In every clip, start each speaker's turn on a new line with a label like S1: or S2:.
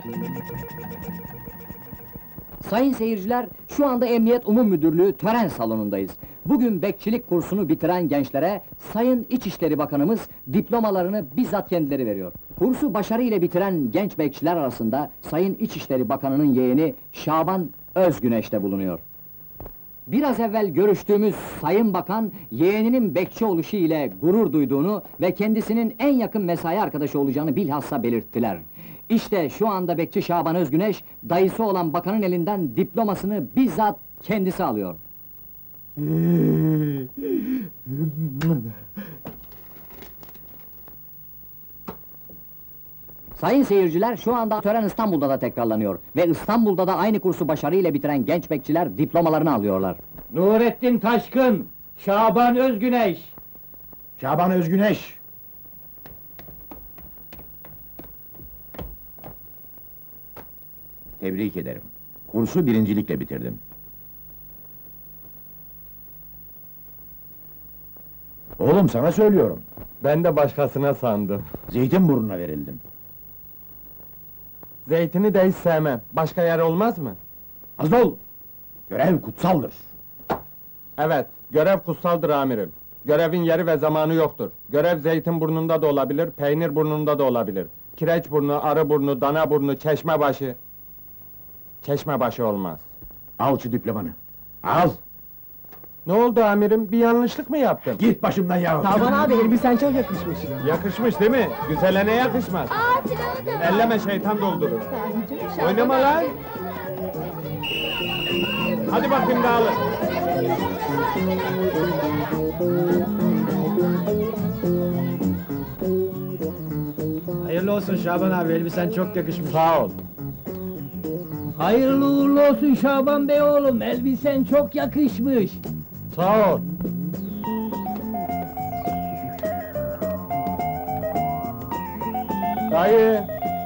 S1: Sayın seyirciler, şu anda Emniyet Umum Müdürlüğü tören salonundayız. Bugün bekçilik kursunu bitiren gençlere Sayın İçişleri Bakanımız diplomalarını bizzat kendileri veriyor. Kursu başarıyla bitiren genç bekçiler arasında Sayın İçişleri Bakanı'nın yeğeni Şaban Özgüneş de bulunuyor. Biraz evvel görüştüğümüz Sayın Bakan, yeğeninin bekçi oluşu ile gurur duyduğunu ve kendisinin en yakın mesai arkadaşı olacağını bilhassa belirttiler. İşte şu anda bekçi Şaban Özgüneş, dayısı olan bakanın elinden diplomasını bizzat kendisi alıyor. Sayın seyirciler, şu anda tören İstanbul'da da tekrarlanıyor ve İstanbul'da da aynı kursu başarıyla bitiren genç bekçiler diplomalarını alıyorlar.
S2: Nurettin Taşkın, Şaban Özgüneş.
S3: Şaban Özgüneş! Tebrik ederim. Kursu birincilikle bitirdin. Oğlum sana söylüyorum.
S4: Ben de başkasına sandım.
S3: Zeytinburnu'na verildim.
S4: Zeytini de hiç sevmem. Başka yer olmaz mı?
S3: Az ol! Görev kutsaldır.
S4: Evet, görev kutsaldır amirim. Görevin yeri ve zamanı yoktur. Görev Zeytinburnu'nda da olabilir, Peynirburnu'nda da olabilir. Kireçburnu, Arıburnu, Danaburnu, Çeşmebaşı... Çeşmebaşı olmaz.
S3: Al şu diplomanı. Al!
S4: Ne oldu amirim? Bir yanlışlık mı yaptım?
S3: Git başımdan ya!
S2: Şaban abi, elbisen çok yakışmış.
S4: Yakışmış değil mi? Güzele ne yakışmaz?
S5: Aa, silahı da var.
S4: Elleme, şeytan doldurur.
S5: Şaban
S4: Oynama
S5: abi.
S4: lan! Hadi bakayım dağılın.
S2: Hayırlı olsun Şaban abi, elbisen çok yakışmış.
S4: Sağ ol.
S2: Hayırlı uğurlu olsun Şaban Bey oğlum, elbisen çok yakışmış.
S4: Sağ ol. Dayı!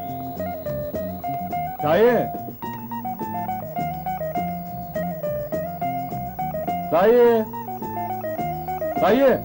S4: Dayı! Dayı! Dayı!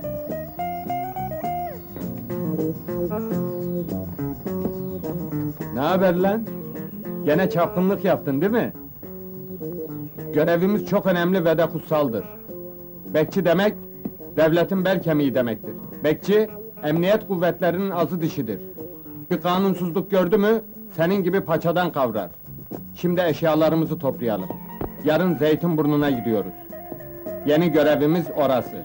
S4: Ne haber lan? Gene çapkınlık yaptın değil mi? Görevimiz çok önemli ve de kutsaldır. Bekçi demek, devletin bel kemiği demektir. Bekçi, emniyet kuvvetlerinin azı dişidir. Bir kanunsuzluk gördü mü, senin gibi paçadan kavrar. Şimdi eşyalarımızı toplayalım. Yarın Zeytinburnu'na gidiyoruz. Yeni görevimiz orası.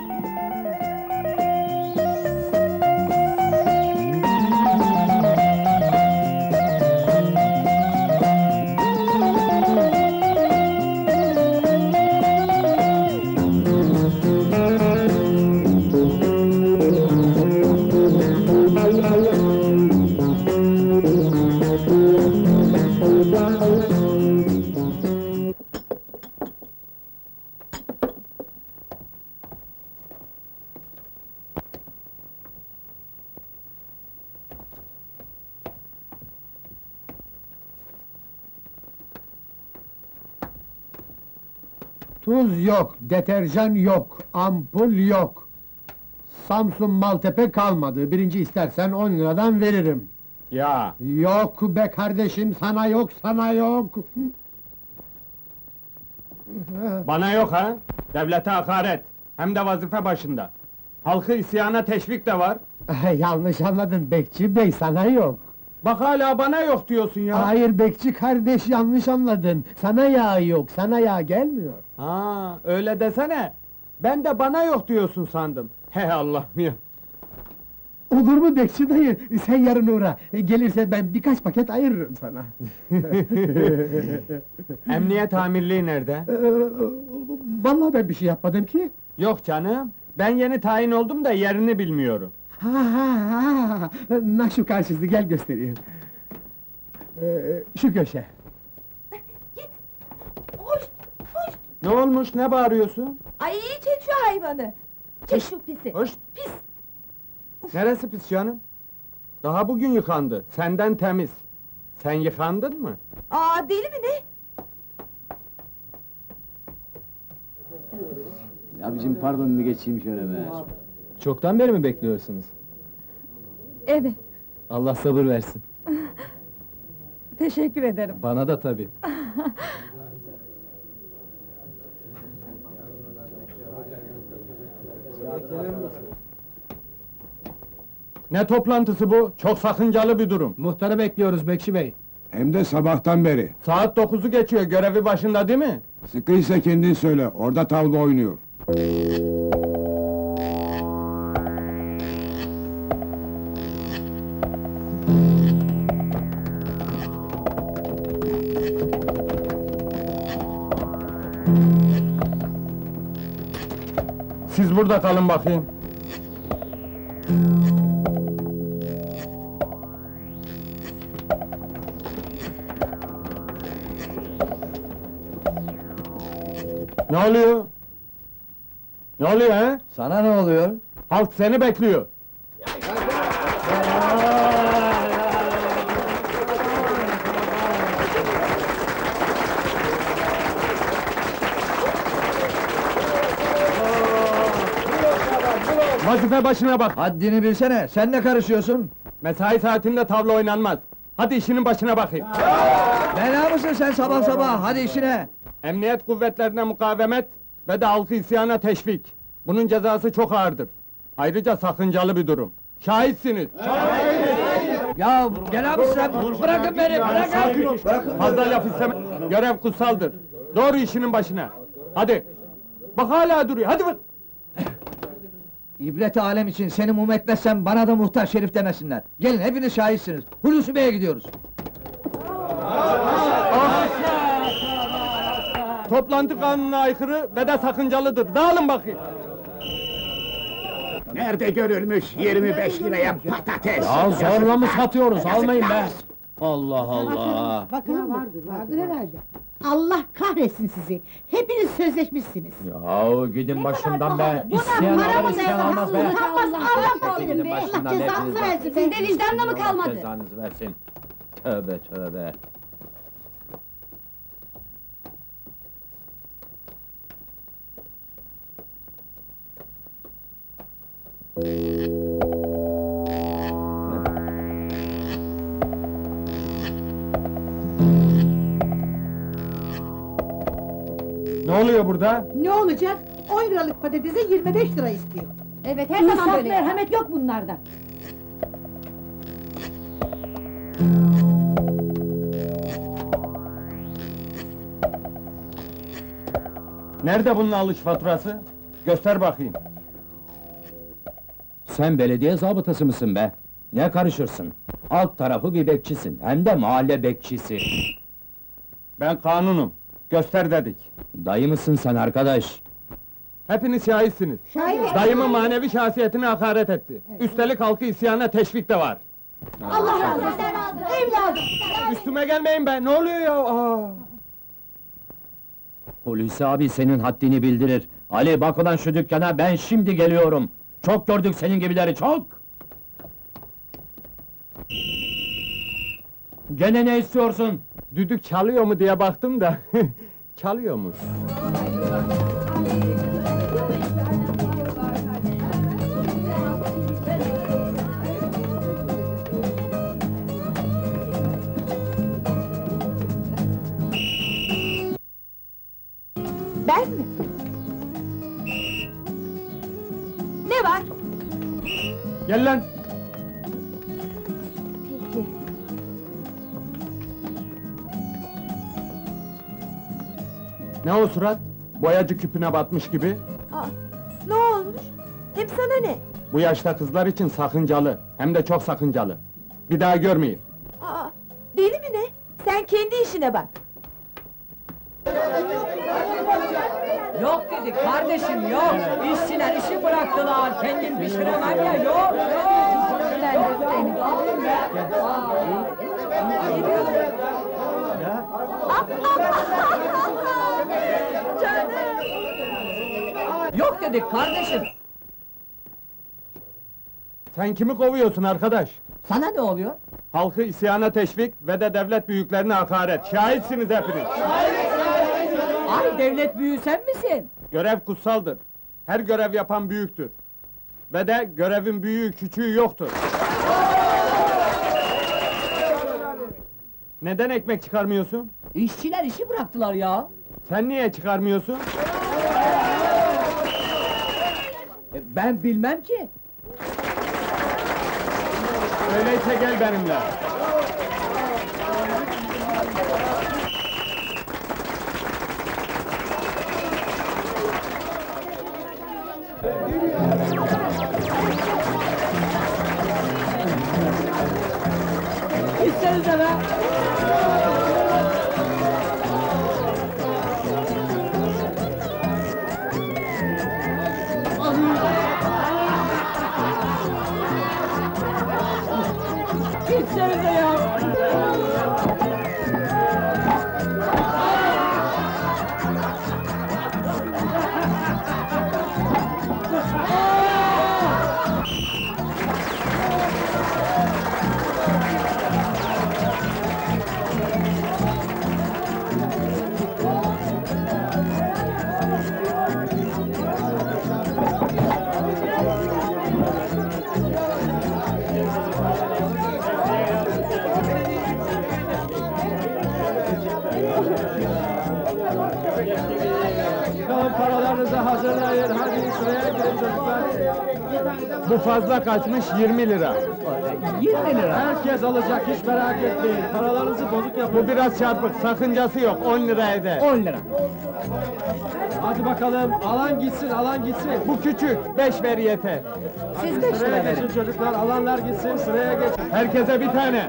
S6: Tuz yok, deterjan yok, ampul yok. Samsun Maltepe kalmadı. Birinci istersen 10 liradan veririm.
S4: Ya!
S6: Yok be kardeşim, sana yok, sana yok.
S4: Bana yok ha? Devlete hakaret, hem de vazife başında. Halkı isyana teşvik de var.
S6: Yanlış anladın Bekçi Bey, sana yok.
S4: Bak hala bana yok diyorsun ya.
S6: Hayır Bekçi kardeş, yanlış anladın. Sana yağ yok, sana yağ gelmiyor.
S4: Ha, öyle desene. Ben de bana yok diyorsun sandım. He Allah'ım ya.
S6: Olur mu Bekçi dayı? Sen yarın uğra. Gelirse ben birkaç paket ayırırım sana.
S4: Emniyet amirliği nerede?
S6: Vallahi ben bir şey yapmadım ki.
S4: Yok canım. Ben yeni tayin oldum da yerini bilmiyorum.
S6: Ha, na şu karşısı, gel göstereyim. Şu köşe.
S5: Hoş, hoş.
S4: Ne olmuş, ne bağırıyorsun?
S5: Ay, çek şu hayvanı. Çek şu pisi.
S4: Hoş,
S5: Pis.
S4: neresi pis canım? Daha bugün yıkandı, senden temiz. Sen yıkandın mı?
S5: Aa, deli mi ne?
S1: Abicim pardon, bir geçeyim şöyle be.
S2: Çoktan beri mi bekliyorsunuz?
S5: Evet.
S2: Allah sabır versin.
S5: Teşekkür ederim.
S2: Bana da tabii.
S4: Ne toplantısı bu? Çok sakıncalı bir durum.
S2: Muhtarı bekliyoruz Bekçi Bey.
S7: Hem de sabahtan beri.
S4: Saat 9'u geçiyor, görevi başında değil mi?
S7: Sıkıysa kendin söyle, orada tavla oynuyor.
S4: Siz burada kalın bakayım. Ne oluyor? Ne oluyor he?
S2: Sana ne oluyor?
S4: Halk seni bekliyor. Vazife başına bak.
S2: Haddini bilsene, sen ne karışıyorsun?
S4: Mesai saatinde tavla oynanmaz. Hadi işinin başına bakayım.
S2: Bela mısın sen sabah sabah, hadi işine!
S4: Emniyet kuvvetlerine mukavemet ve de halkı isyana teşvik. Bunun cezası çok ağırdır. Ayrıca sakıncalı bir durum. Şahitsiniz.
S2: Ya gel abi sen, bırakın beni, bırakın!
S4: Fazla laf isteme. Görev kutsaldır. Doğru işinin başına. Hadi. Bak hala duruyor. Hadi bak.
S2: İbret alem için seni mum etmezsem bana da muhtar şerif demesinler. Gelin hepiniz şahitsiniz. Hulusi Bey'e gidiyoruz.
S4: Toplantı kanununa aykırı ve de sakıncalıdır. Dağılın bakayım.
S3: Nerede görülmüş 25 liraya patates?
S2: Ya zorla mı satıyoruz? Almayın be! Allah Allah!
S8: Bakın vardır herhalde. Allah kahretsin sizi. Hepiniz sözleşmişsiniz.
S2: Ya gidin başımdan be!
S8: Buna
S2: İsteyen
S8: para
S2: alır,
S8: mı
S2: isteyen almaz be!
S8: Utanmaz Allah senin
S2: Gidin
S8: be! Allah
S2: başımdan
S8: cezanızı
S2: hepiniz.
S8: versin. Sizde vicdanla mı
S2: Allah
S8: kalmadı?
S2: cezanızı versin! Tövbe tövbe!
S4: Ne oluyor burada?
S8: Ne olacak? 10 liralık patatese 25 lira istiyor.
S5: Evet, her zaman böyle.
S8: merhamet yok bunlarda.
S4: Nerede bunun alış faturası? Göster bakayım.
S9: Sen belediye zabıtası mısın be? Ne karışırsın? Alt tarafı bir bekçisin, hem de mahalle bekçisi.
S4: Ben kanunum. Göster dedik.
S9: Dayı mısın sen arkadaş?
S4: Hepiniz şahitsiniz.
S8: Şahit.
S4: Dayımın manevi şahsiyetine hakaret etti. Üstelik halkı isyana teşvik de var.
S8: Allah razı olsun. Evladım.
S4: Üstüme gelmeyin be, ne oluyor ya? Aa!
S9: Hulusi abi senin haddini bildirir. Ali bak ulan şu dükkana, ben şimdi geliyorum. Çok gördük senin gibileri, çok! Gene ne istiyorsun?
S4: Düdük çalıyor mu diye baktım da, çalıyormuş.
S5: Ben mi? Ne var?
S4: Gel lan!
S5: Peki.
S4: Ne o surat? Boyacı küpüne batmış gibi.
S5: Aa, ne olmuş? Hem sana ne?
S4: Bu yaşta kızlar için sakıncalı, hem de çok sakıncalı. Bir daha görmeyeyim.
S5: Aa, deli mi ne? Sen kendi işine bak.
S1: Yok dedik kardeşim, yok! İşçiler işi bıraktılar, kendin pişiremem ya, yok!
S5: Ben de seni.
S1: Yok dedik kardeşim!
S4: Sen kimi kovuyorsun arkadaş?
S1: Sana ne oluyor?
S4: Halkı isyana teşvik ve de devlet büyüklerine hakaret. Şahitsiniz hepiniz.
S1: Ay devlet büyüğü sen misin?
S4: Görev kutsaldır. Her görev yapan büyüktür. Ve de görevin büyüğü küçüğü yoktur. Neden ekmek çıkarmıyorsun?
S2: İşçiler işi bıraktılar ya.
S4: Sen niye çıkarmıyorsun?
S2: Ben bilmem ki.
S4: Öyleyse gel benimle.
S2: Gitsenize be. Gitsenize ya.
S4: Paralarınızı hazırlayın, hadi sıraya girin çocuklar. Bu fazla kaçmış 20 lira.
S2: 20 lira.
S4: Herkes alacak, hiç merak etmeyin. Paralarınızı bozuk yapın. Bu biraz çarpık, sakıncası yok, 10 lira eder.
S2: 10 lira.
S4: Hadi bakalım, alan gitsin, alan gitsin. Bu küçük, 5 ver yeter.
S2: Siz 5
S4: Sıraya
S2: lira verin.
S4: geçin çocuklar, alanlar gitsin, sıraya geç. Herkese bir tane.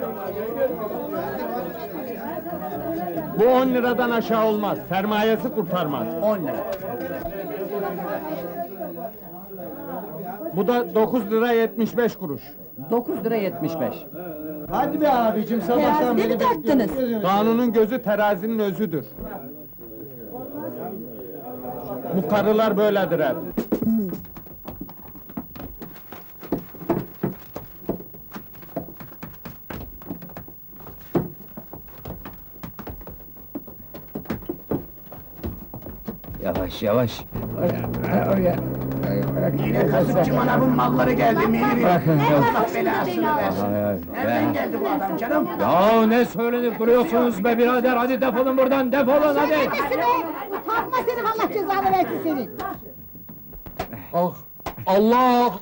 S4: Bu 10 liradan aşağı olmaz, sermayesi kurtarmaz.
S2: 10 lira.
S4: Bu da 9 lira 75 kuruş.
S1: 9 lira 75.
S6: Hadi be abicim,
S5: Terazide mi tarttınız?
S4: Kanunun gözü terazinin özüdür. Bu karılar böyledir hep.
S9: Yavaş yavaş.
S3: Yine kasıpçı manavın malları geldi Mihri. Allah belasını versin. Nereden geldi bu adam canım?
S9: Ya ne söylenip duruyorsunuz be birader, hadi defolun buradan, defolun hadi!
S8: Nesi be? Utanma senin, Allah cezanı versin senin!
S4: Ah! Allah!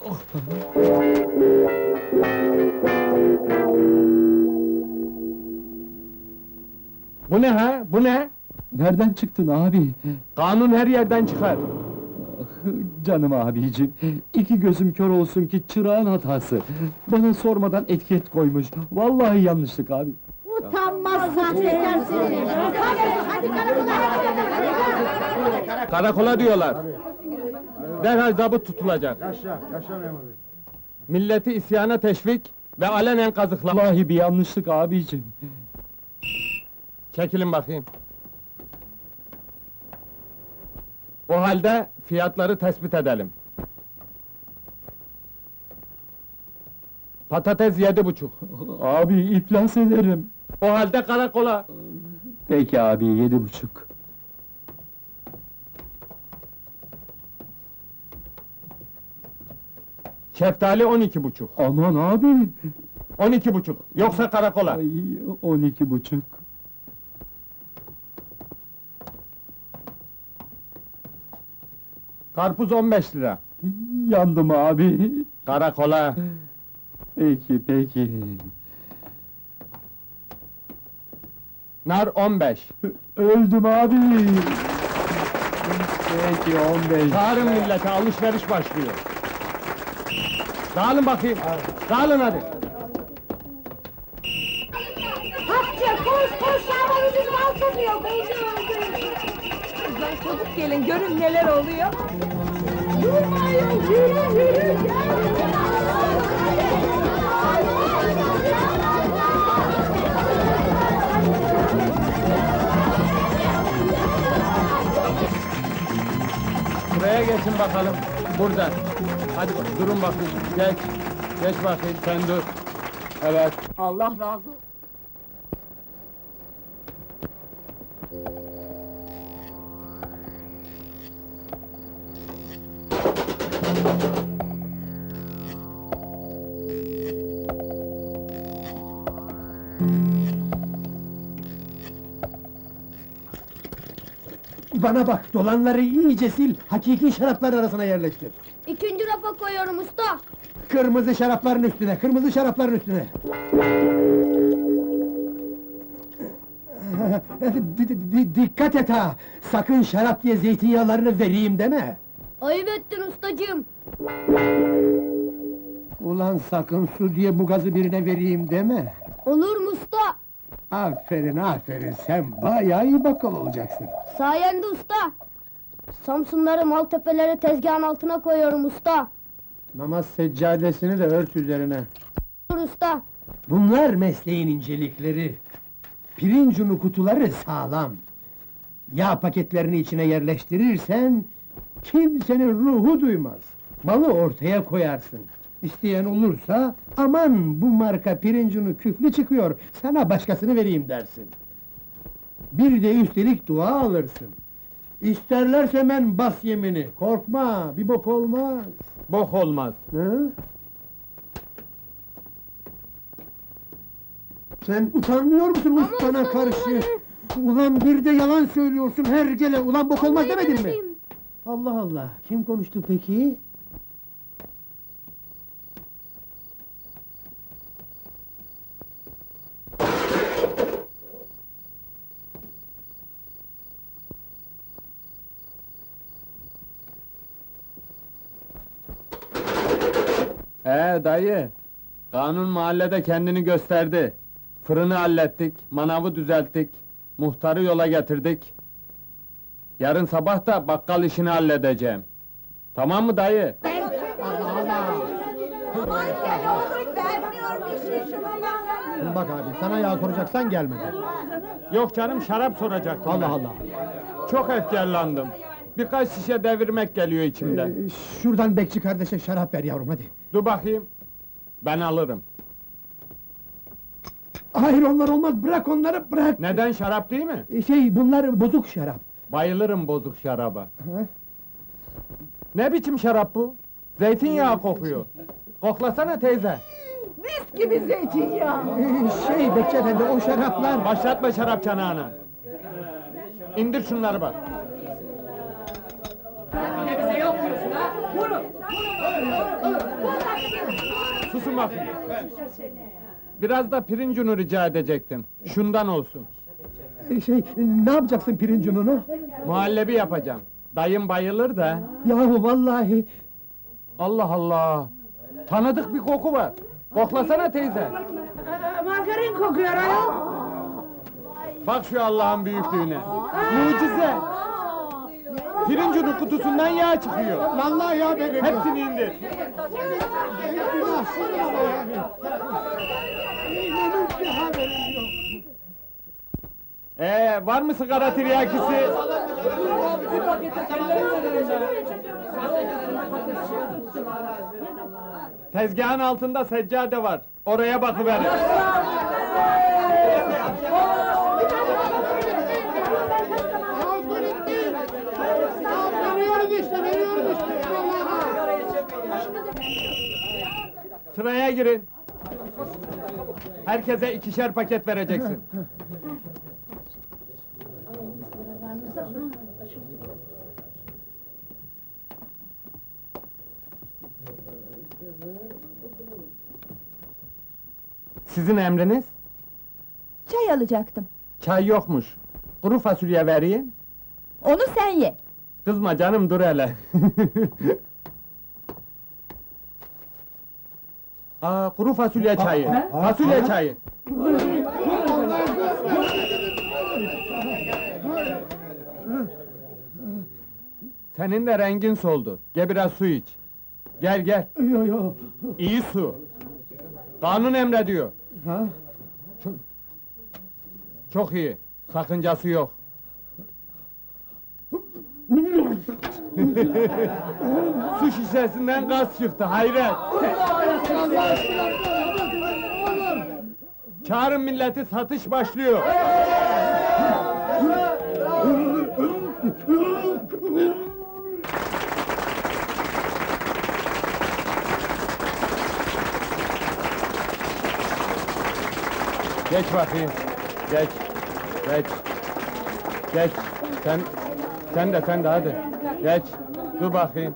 S4: Bu ne ha? Bu ne?
S9: Nereden çıktın abi?
S4: Kanun her yerden çıkar.
S9: Canım abicim, iki gözüm kör olsun ki çırağın hatası. Bana sormadan etiket koymuş. Vallahi yanlışlık abi.
S8: Utanmaz sahtekar seni! Hadi karakola, hadi!
S4: Karakola diyorlar. Derhal zabıt tutulacak. Milleti isyana teşvik ve alenen kazıklama.
S9: Vallahi bir yanlışlık abicim.
S4: Çekilin bakayım. O halde fiyatları tespit edelim. Patates 7,5.
S9: Abi iflas ederim.
S4: O halde karakola.
S9: Peki abi, 7,5.
S4: Şeftali 12,5.
S9: Aman abi!
S4: 12,5. Yoksa karakola.
S9: Ay, 12,5.
S4: Karpuz 15 lira.
S9: Yandım abi.
S4: Karakola.
S9: Peki, peki.
S4: Nar 15.
S9: Öldüm abi. Peki, 15.
S4: Çağırın millete, alışveriş başlıyor. Dağılın bakayım. Dağılın hadi.
S8: Hapça koş koş, Şaban ucuz mal satıyor, koşuyor!
S5: Kızlar çabuk gelin, görün neler oluyor.
S8: Durmayın, yürü yürü!
S4: Buraya geçin bakalım. Burada. Hadi durun bakayım. Geç. Geç bakayım, sen dur. Evet.
S5: Allah razı olsun.
S6: Bana bak, dolanları iyice sil, hakiki şaraplar arasına yerleştir.
S5: İkinci rafa koyuyorum usta.
S6: Kırmızı şarapların üstüne, kırmızı şarapların üstüne. Dikkat et ha! Sakın şarap diye zeytinyağlarını vereyim deme!
S5: Ayıp ettin ustacığım.
S6: Ulan sakın su diye bu gazı birine vereyim deme!
S5: Olur mu usta?
S6: Aferin, aferin, sen bayağı iyi bakkal olacaksın.
S5: Sayende usta. Samsunları, Maltepeleri tezgahın altına koyuyorum usta.
S6: Namaz seccadesini de ört üzerine.
S5: Dur usta.
S6: Bunlar mesleğin incelikleri. Pirinç unu kutuları sağlam. Yağ paketlerini içine yerleştirirsen... kimsenin ruhu duymaz. Malı ortaya koyarsın. İsteyen olursa, aman bu marka pirinç unu küflü çıkıyor, sana başkasını vereyim dersin. Bir de üstelik dua alırsın. İsterlerse men bas yemini, korkma, bir bok olmaz.
S4: Bok olmaz.
S6: Hı? Sen utanmıyor musun ustana
S5: usta,
S6: karşı? Ulan bir de yalan söylüyorsun hergele, ulan bok olmaz
S5: Vallahi
S6: demedin mi?
S5: demedim.
S6: Allah Allah, kim konuştu peki?
S4: Dayı, kanun mahallede kendini gösterdi. Fırını hallettik, manavı düzelttik, muhtarı yola getirdik. Yarın sabah da bakkal işini halledeceğim. Tamam mı dayı?
S6: Bak abi, sana yağ soracaksan gelmedi.
S4: Yok canım, şarap soracaktım.
S6: Allah
S4: ben.
S6: Allah!
S4: Çok efkarlandım. Birkaç şişe devirmek geliyor içimden.
S6: Şuradan bekçi kardeşe şarap ver yavrum, hadi!
S4: Dur bakayım. Ben alırım.
S6: Hayır, onlar olmaz, bırak onları, bırak!
S4: Neden, şarap değil mi?
S6: Bunlar bozuk şarap.
S4: Bayılırım bozuk şaraba.
S6: Ha?
S4: Ne biçim şarap bu? Zeytinyağı kokuyor. Koklasana teyze.
S6: Bekçi efendi, o şaraplar...
S4: Başlatma şarap çanağını. İndir şunları bak. Susun bakayım. Biraz da pirinç unu rica edecektim. Şundan olsun.
S6: Ne yapacaksın pirinç ununu?
S4: Muhallebi yapacağım. Dayım bayılır da.
S6: Yahu vallahi...
S4: Allah Allah! Tanıdık bir koku var. Koklasana teyze.
S8: Margarin kokuyor ayol.
S4: Bak şu Allah'ın büyüklüğüne. Mucize! Pirinç unu kutusundan yağ çıkıyor.
S6: Vallahi ya benim!
S4: Hepsini indir. Var mı sigara tiryakisi? Tezgahın altında seccade var. Oraya bakıverin. Sıraya girin. Herkese 2'şer paket vereceksin. Sizin emriniz?
S5: Çay alacaktım.
S4: Çay yokmuş. Kuru fasulye vereyim.
S5: Onu sen ye.
S4: Kızma canım, dur hele. Kuru fasulye çayı. Fasulye çayı. Senin de rengin soldu. Gel biraz su iç. Gel gel.
S6: Yo.
S4: İyi su. Kanun emrediyor.
S6: Ha?
S4: Çok iyi. Sakıncası yok. Su şişesinden gaz çıktı, hayret! Çağırın milleti, satış başlıyor! Geç bakayım, geç! Geç! Sen de hadi. Geç. Dur bakayım.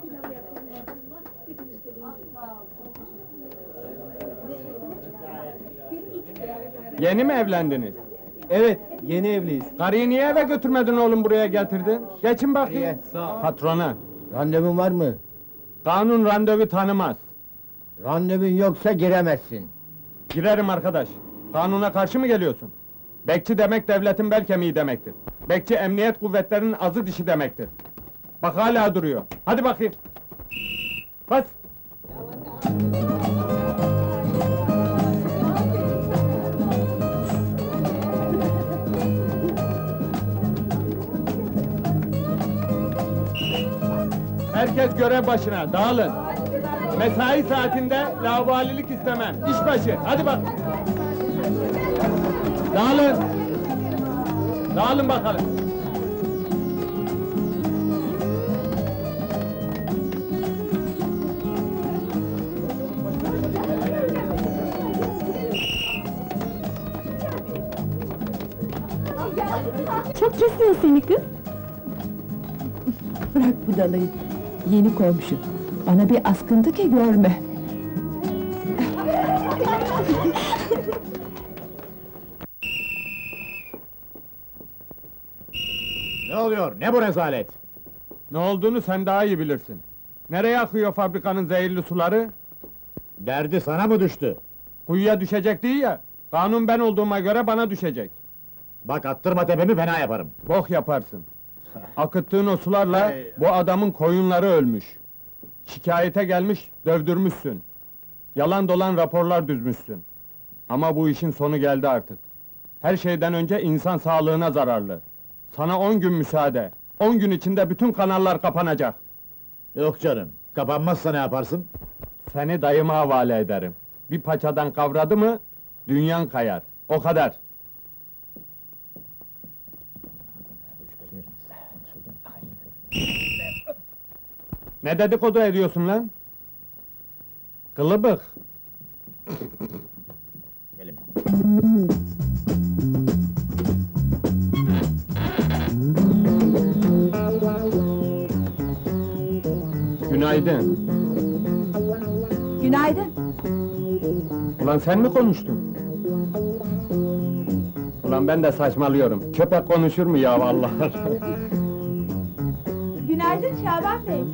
S4: Yeni mi evlendiniz?
S6: Evet, yeni evliyiz.
S4: Karıyı niye eve götürmedin oğlum, buraya getirdin? Geçin bakayım. Patrona.
S6: Randevun var mı?
S4: Kanun randevu tanımaz.
S6: Randevun yoksa giremezsin.
S4: Girerim arkadaş. Kanuna karşı mı geliyorsun? Bekçi demek devletin bel kemiği demektir. Bekçi emniyet kuvvetlerinin azı dişi demektir. Bak hala duruyor. Hadi bakayım. Bas. Herkes görev başına, dağılın. Mesai saatinde laubalilik istemem. İş başı, hadi bak. Dağılın. Dağılın bakalım.
S8: Çok kesiyor seni kız. Bırak budalayı. Yeni komşu. Bana bir askıntı ki görme.
S6: Ne oluyor? Ne bu rezalet?
S4: Ne olduğunu sen daha iyi bilirsin. Nereye akıyor fabrikanın zehirli suları?
S6: Derdi sana mı düştü?
S4: Kuyuya düşecek değil ya. Kanun ben olduğuma göre bana düşecek.
S6: Bak attırma tepemi fena yaparım.
S4: Bok yaparsın. Akıttığın o sularla bu adamın koyunları ölmüş. Şikayete gelmiş, dövdürmüşsün. Yalan dolan raporlar düzmüşsün. Ama bu işin sonu geldi artık. Her şeyden önce insan sağlığına zararlı. Sana 10 gün müsaade. 10 gün içinde bütün kanallar kapanacak.
S6: Yok canım, kapanmazsa ne yaparsın?
S4: Seni dayıma havale ederim. Bir paçadan kavradı mı, dünyan kayar. O kadar. Ne dedikodu ediyorsun lan? Kılıbık.
S6: Gelin.
S4: Günaydın.
S8: Günaydın.
S4: Ulan sen mi konuştun? Ulan ben de saçmalıyorum. Köpek konuşur mu ya vallahi?
S8: Günaydın Şaban Bey.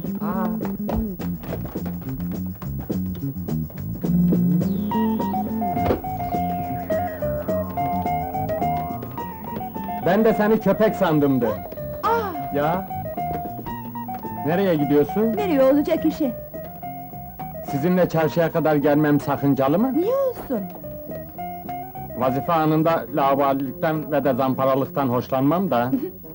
S4: Ben de seni köpek sandımdı. Ya? Nereye gidiyorsun?
S8: Nereye olacak işi?
S4: Sizinle çarşıya kadar gelmem sakıncalı mı?
S8: Niye olsun?
S4: Vazife anında laubalilikten ve de zamparalıktan hoşlanmam da.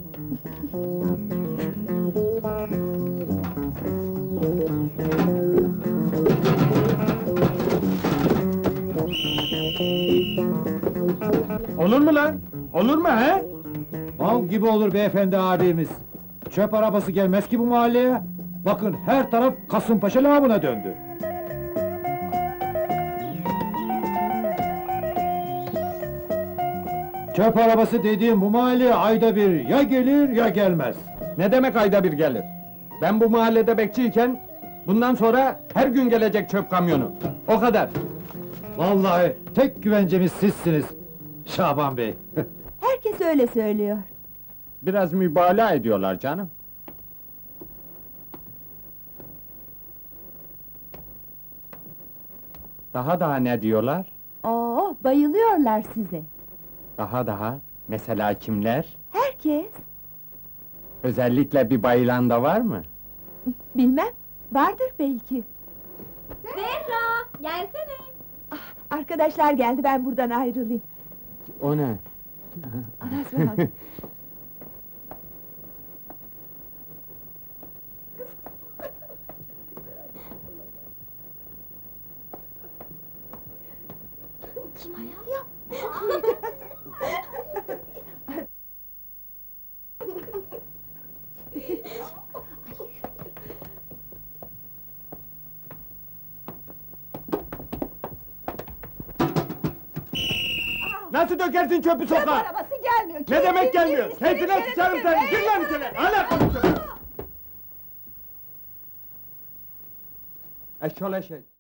S4: Olur mu lan? Olur mu he?
S6: Mal gibi olur beyefendi abimiz. Çöp arabası gelmez ki bu mahalleye. Bakın her taraf Kasımpaşa lağımına döndü. Çöp arabası dediğim bu mahalleye ayda bir ya gelir ya gelmez.
S4: Ne demek ayda bir gelir? Ben bu mahallede bekçiyken, bundan sonra her gün gelecek çöp kamyonu. O kadar.
S6: Vallahi tek güvencemiz sizsiniz Şaban Bey.
S8: Herkes öyle söylüyor.
S4: Biraz mübalağa ediyorlar canım. Daha ne diyorlar?
S8: Oo, bayılıyorlar size.
S4: Daha, mesela kimler?
S8: Herkes.
S4: Özellikle bir bayılan da var mı?
S8: Bilmem, vardır belki.
S5: Zehra, gelsene.
S8: Arkadaşlar geldi, ben buradan ayrılayım.
S4: O ne?
S8: Anasını al.
S4: Nasıl dökersin çöpü
S8: Çöp
S4: sokağa?
S8: arabası geldi. gelmiyor.
S4: Ne demek gelmiyor? Keyfine sıçarım seni! Gir lan içeri! Hala konuşuyorsun! Eşşol eşek!